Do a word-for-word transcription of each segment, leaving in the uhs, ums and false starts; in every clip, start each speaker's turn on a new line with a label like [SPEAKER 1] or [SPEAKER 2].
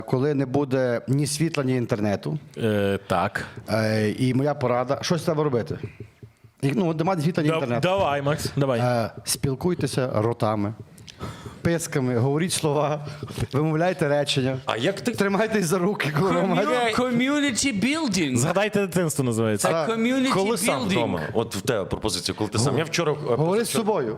[SPEAKER 1] Коли не буде ні світла, ні інтернету,
[SPEAKER 2] Е, так.
[SPEAKER 1] е, і моя порада, щось треба робити. І, ну, немає світла, ні
[SPEAKER 2] Да,
[SPEAKER 1] інтернету.
[SPEAKER 2] давай, Макс, давай.
[SPEAKER 1] Е, спілкуйтеся ротами, писками, говоріть слова, вимовляйте речення.
[SPEAKER 3] А як ти
[SPEAKER 1] Тримайтесь за руки, коли вам гадять.
[SPEAKER 4] Community building.
[SPEAKER 2] Згадайте дитинство називається.
[SPEAKER 4] Це community
[SPEAKER 3] коли сам
[SPEAKER 4] building.
[SPEAKER 3] вдома? От в тебе пропозиція, коли ти сам. Я вчора е,
[SPEAKER 1] Говори з собою.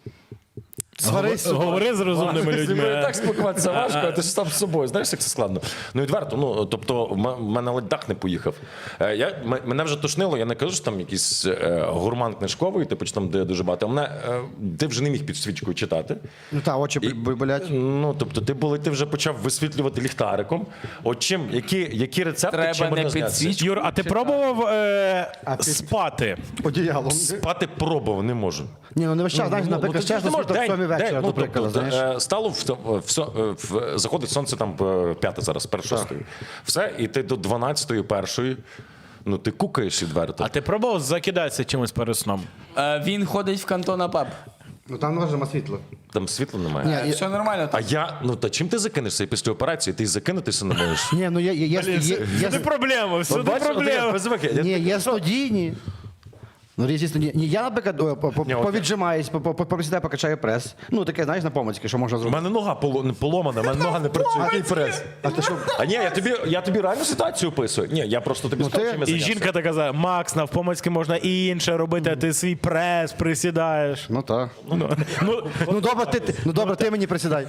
[SPEAKER 1] Сварись з собою.
[SPEAKER 2] Говори з розумними
[SPEAKER 3] Зі мною
[SPEAKER 2] людьми.
[SPEAKER 3] так спілкуватися важко, а ти ж сам з собою. Знаєш, як це складно? Ну, відверто, ну, тобто, в мене ледь дах не поїхав. Е, Я, м- мене вже тошнило, я не кажу, що там якийсь е, гурман книжковий, типу, чи там, де дуже багато. А мене, е, ти вже не міг під свічкою читати.
[SPEAKER 1] Ну так, очі
[SPEAKER 3] І-
[SPEAKER 1] б- болять.
[SPEAKER 3] Ну, тобто, ти, були, ти вже почав висвітлювати ліхтариком. От чим, які, які рецепти,
[SPEAKER 4] Треба
[SPEAKER 3] чим
[SPEAKER 4] не
[SPEAKER 3] можна зняти?
[SPEAKER 4] підсвічувати.
[SPEAKER 2] Юр, а ти пробував е,
[SPEAKER 1] А ти-
[SPEAKER 2] спати?
[SPEAKER 1] Одіялом.
[SPEAKER 3] Спати пробував, не можу.
[SPEAKER 1] Ні, ну не весь час, знаєш,
[SPEAKER 3] Ну,
[SPEAKER 1] наприклад,
[SPEAKER 3] ну, ти ж
[SPEAKER 1] чесно,
[SPEAKER 3] не можеш
[SPEAKER 1] світло в
[SPEAKER 3] день,
[SPEAKER 1] сьомій вечора,
[SPEAKER 3] день,
[SPEAKER 1] до
[SPEAKER 3] ну,
[SPEAKER 1] прикладу,
[SPEAKER 3] тобто,
[SPEAKER 1] знаєш.
[SPEAKER 3] е, Стало в, в, в, в, заходить сонце там е, п'яте зараз, перш шостої. Все, і ти до дванадцятої, першої, ну ти кукаєш відверто.
[SPEAKER 2] А ти пробував закидатися чимось перед сном?
[SPEAKER 4] Е, Він ходить в кантона паб.
[SPEAKER 1] Ну там можна світло.
[SPEAKER 3] Там світла немає.
[SPEAKER 1] Ні,
[SPEAKER 4] Е,
[SPEAKER 1] я-
[SPEAKER 4] Все нормально.
[SPEAKER 3] А я, ну та чим ти закинешся і після операції? Ти й закинутися не можеш.
[SPEAKER 1] Ні, ну є, є, є, є, є,
[SPEAKER 2] Всюди проблема, всюди
[SPEAKER 3] От бачиш, от я
[SPEAKER 2] проблема.
[SPEAKER 3] без звуки. Я-
[SPEAKER 1] ні, є студійні. Ну, різні студійні. Ні, я, наприклад, о, по- по-
[SPEAKER 3] Ні, от-
[SPEAKER 1] повіджимаюсь, по- по- повисідаю, покачаю прес. Ну, таке, знаєш, на помацьки, що можна
[SPEAKER 3] У
[SPEAKER 1] зробити.
[SPEAKER 3] мене нога поло- не поломана, у мене нога не працює. Який прес?
[SPEAKER 1] А ти що?
[SPEAKER 3] А ні, я тобі, я тобі реальну ситуацію описую. Ні, я просто тобі
[SPEAKER 1] Ну,
[SPEAKER 3] скажу,
[SPEAKER 1] ти-
[SPEAKER 3] чим я
[SPEAKER 2] І
[SPEAKER 3] зайнявся.
[SPEAKER 2] жінка така казала, Макс, навпомацьки можна і інше робити, а ти свій прес присідаєш.
[SPEAKER 1] Ну так.
[SPEAKER 2] Ну, ну,
[SPEAKER 1] Ну добре, ти, ти- ну, добре, ти мені присідай.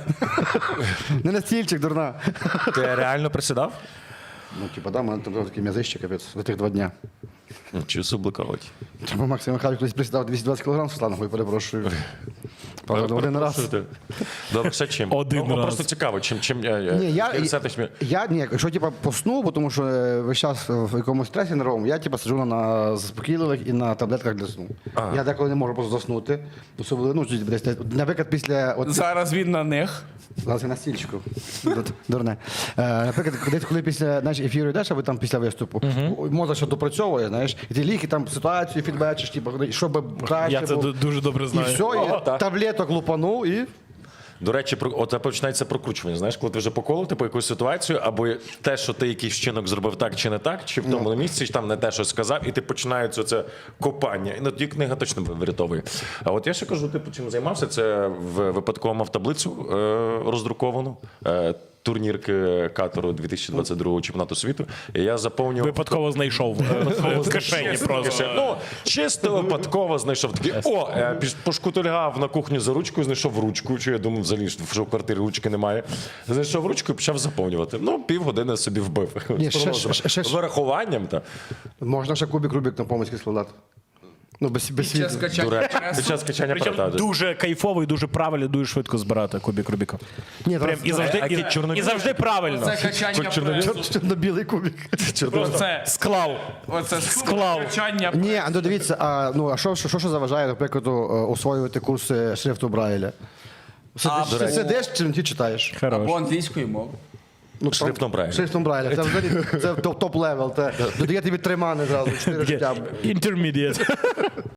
[SPEAKER 1] Не на стільчик, дурна.
[SPEAKER 3] Ти реально присідав?
[SPEAKER 1] Ну, типа, да, у мене там такий м'язище, капець, за тих два дня.
[SPEAKER 3] Ну, чи субликувати?
[SPEAKER 1] Тому Максим Михайлович колись присідав двісті двадцять кілограм з сланогою, перепрошую. Правда, один раз.
[SPEAKER 3] Добре, ще чим?
[SPEAKER 2] Один
[SPEAKER 3] ну,
[SPEAKER 2] раз.
[SPEAKER 3] Просто цікаво, чим, чим я,
[SPEAKER 1] Ні, я,
[SPEAKER 3] який рецепт тобі-
[SPEAKER 1] я, ні, якщо типа посну, бо тому що е, весь час в якомусь стресі нервовому, я типа сиджу на, на заспокійливих і на таблетках для сну. Я деколи не можу просто заснути. Особливо, ну, десь, десь, наприклад, після от,
[SPEAKER 4] Зараз він на них.
[SPEAKER 1] зараз я на стільчику. Ду- Дурне. Е, наприклад, десь коли після знаєш, ефіру йдеш, або там після виступу, мозок ще допрацьовує, знаєш, і ти ліки там ситуацію фідбечиш, типу, щоб краще
[SPEAKER 2] я це
[SPEAKER 1] було.
[SPEAKER 2] ду- дуже добре
[SPEAKER 1] І
[SPEAKER 2] знаю.
[SPEAKER 1] все,
[SPEAKER 3] О,
[SPEAKER 1] і
[SPEAKER 3] так.
[SPEAKER 1] таблеток лупанув і.
[SPEAKER 3] До речі, про от починається прокручування. Знаєш, коли ти вже поколив типу, якусь ситуацію, або те, що ти якийсь вчинок зробив так чи не так, чи в тому місці, чи там не те, що сказав, і ти починається це копання. І ну, тоді книга точно врятовує. А от я ще кажу, типу, чим займався, це в випадково мав таблицю е, роздруковану. Е, турнірки Катару дві тисячі двадцять другого чемпіонату світу. І я заповнював.
[SPEAKER 2] Випадково знайшов е, в кишені просто.
[SPEAKER 3] Ну, чисто випадково знайшов такий. О, е, піш- пошкутильгав на кухню за ручку, знайшов ручку. Чи я думав, взагалі, що в квартирі ручки немає. Знайшов ручку і почав заповнювати. Ну, півгодини собі вбив.
[SPEAKER 1] Ні,
[SPEAKER 3] З
[SPEAKER 1] ще-
[SPEAKER 3] прогнозом.
[SPEAKER 1] ще- ще-
[SPEAKER 3] З вирахуванням. Та.
[SPEAKER 1] Можна ще кубик Рубік на помицьки складати. Ну, без, без
[SPEAKER 4] Час
[SPEAKER 1] світла.
[SPEAKER 4] качання
[SPEAKER 3] До речі,
[SPEAKER 4] пресу.
[SPEAKER 3] під час качання
[SPEAKER 2] Причому
[SPEAKER 3] перетади.
[SPEAKER 2] дуже кайфово і дуже правильно, дуже швидко збирати кубик Рубіка.
[SPEAKER 1] Ні,
[SPEAKER 2] Прям і завжди,
[SPEAKER 3] а
[SPEAKER 2] і,
[SPEAKER 3] ті чорно-
[SPEAKER 2] і завжди правильно.
[SPEAKER 4] Це качання пресу.
[SPEAKER 1] Чорно-білий кубик.
[SPEAKER 4] Оце,
[SPEAKER 2] Склав.
[SPEAKER 4] оце
[SPEAKER 2] Склав.
[SPEAKER 4] качання
[SPEAKER 1] Ні, а ну дивіться, а, ну, а що, що, що, що заважає, наприклад, о, освоювати курси шрифту Брайля? Сидиш,
[SPEAKER 4] А,
[SPEAKER 1] ти сидиш, чи ти читаєш?
[SPEAKER 2] Хорош.
[SPEAKER 4] або англійською мовою.
[SPEAKER 1] Ну, там-
[SPEAKER 3] Шрифтом Брайля.
[SPEAKER 1] Шрифтом Брайля. Це взагалі це топ- топ-левел. Це додає тобі три мани зразу, чотири життя.
[SPEAKER 2] Intermediate.